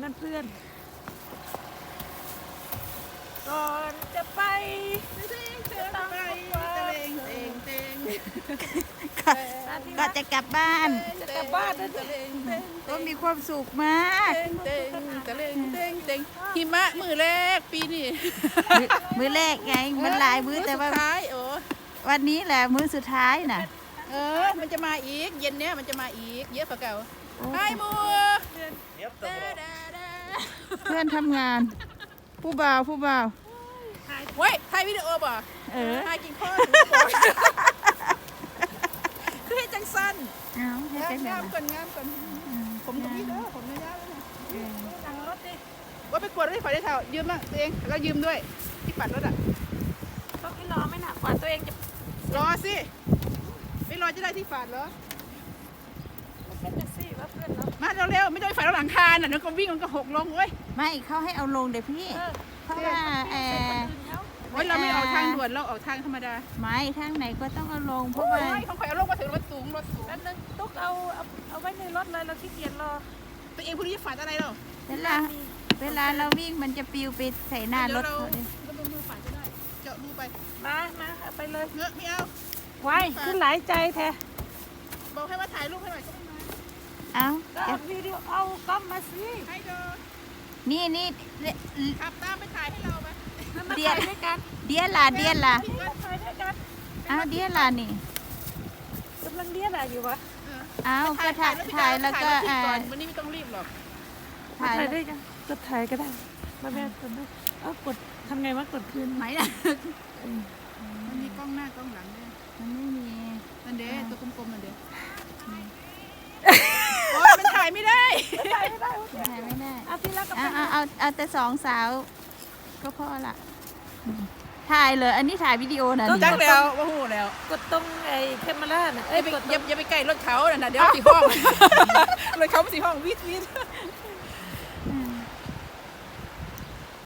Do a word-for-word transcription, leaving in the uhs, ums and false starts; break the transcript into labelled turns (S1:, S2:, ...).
S1: เพื่อนๆก่อนจะไปต้องไปเต็งเต็งเต็ง
S2: ก็จะกลับบ้าน
S1: จะกลับบ้านนะเต็ง
S2: ก็มีความสุขมาก
S1: เต็งเต็งเต็งเต็งเต็งหิมะมือแรกปีนี้
S2: มื้อมื้อแรกไงมันหลายมื้อแต่ว่า
S1: สุดท้ายโอ้
S2: วันนี้แหละมื้อสุดท้ายน่ะ
S1: เออมันจะมาอีกเย็นเนี้ยมันจะมาอีกเยอะกว่าเก่าไอ้มัว
S2: เพื่อนทำงาน ผู้บ่าวผู้บ่าว
S1: เว้ยถ่ายวิดีโอบ่
S2: เออ
S1: ถ่ายกินข้าวคือให้จังสั้น
S2: เอาให้
S1: งา
S2: จั
S1: ม
S2: งได๋
S1: งาม
S2: ล่ะ
S1: ก่อนงามก่อนผมก็มีเด้อผมไม่ยากแล้วนะ
S2: เออ
S1: นั่งรถดิว่าไปกวดรถไฟได้เท่ายืมบ้างตัวเองแล้วก็ยืมด้วยที่ปัดรถอ่ะ
S3: ต้องให้รอไม่หนักกว่าตัวเองจะ
S1: รอสิไม่รอจะได้ที่ฝาดเหรอ
S3: เป็นแท็กซี่ว่าเพื่อนเรา
S1: มาเร็วๆไม่ต้องไปฝาดหลังคาน่ะเดี๋ยวก็วิ่งมันก็หกลงเว้ย
S2: ไม่เขาให้เอาลงเดี๋ยวพี่ เพราะว่าเออ
S1: โอ้ยเราไม่ออกทางด่วนเราออกทางธรรมดา
S2: ไม่ทางไหนก็ต้องเอาลงเพ
S1: โอ้
S2: ราะว่า
S1: ยเขาคอยเอาลงมาถึงรถสูงรถสูง
S3: แล้วนึงตุ๊กเอาเอาเอาไว้ในรถเลยเราขี้เกียจรอ
S1: ตัวเองพวกนี้จะฝาดอะไรเรา
S2: เวลาเวลาเราวิ่งมันจะปลิวไปใส่หน้ารถเขาเลย
S1: ก็มือมือฝาดจะได้เจาะรูไป
S3: มามาเอาไปเลย
S1: เงอะไม่เอา
S3: ไว้ขึ้นหลายใจแท้
S1: บอกให้มาถ่ายรูปให้หน่อยก็ไม่มา
S2: เอา
S3: ก็เอาวิดีโอเอากล้องมาสิ
S1: ให้เดิน
S2: นี่นี่
S1: ขับตามไปถ่ายให้เราไป
S3: แล้วมา
S2: เดีย
S3: ถ่ายด้วยกัน
S2: เดียล่ะเดียล่ะ
S3: มาถ่ายด้วยกัน
S2: เอาเดียล่ะนี่
S3: กำลังเรียนอะไรอยู่วะ
S2: เอาก็ถ่ายถ่ายแล้วก็
S1: ถ่า
S2: อ่าย
S1: รูปก่อนวันนี้ไม่ต้องรีบหรอก
S3: มา
S2: ถ่าย
S3: ถ่ายด้วยกันกดถ่ายก็ได้มาแม่กดด้วยเอากดทำไงวะกดคืน
S2: ไหมล่ะ
S1: มันมีกล้องหน้ากล้องหลังด้วย
S2: มันไม่มี
S1: นั่นเด้ตัวกลมๆนั่นเด้โอ้ยมันถ่ายไม่ได้
S3: ถ่ายไม่ได้
S2: ถ่ายไม่ได้
S3: เอาพี่รักกับ
S2: เอา
S3: แฟน
S2: เอาเอาเอาแต่สองสาว ก็พอละถ่ายเลยอันนี้ถ่ายวิดีโอนะนี่
S1: จักแล้วว่าหูแล้ว
S3: กดตรงไอ้แคมเมราน่ะ
S1: เอ้
S3: เอ้
S1: ย
S3: ย
S1: ไป
S3: กดต
S1: อย่า
S3: รง
S1: อย่าไปใกล้รถเขาน่ะนะเดี๋ยวสีห้องรถเขาสีห้องวิทวิท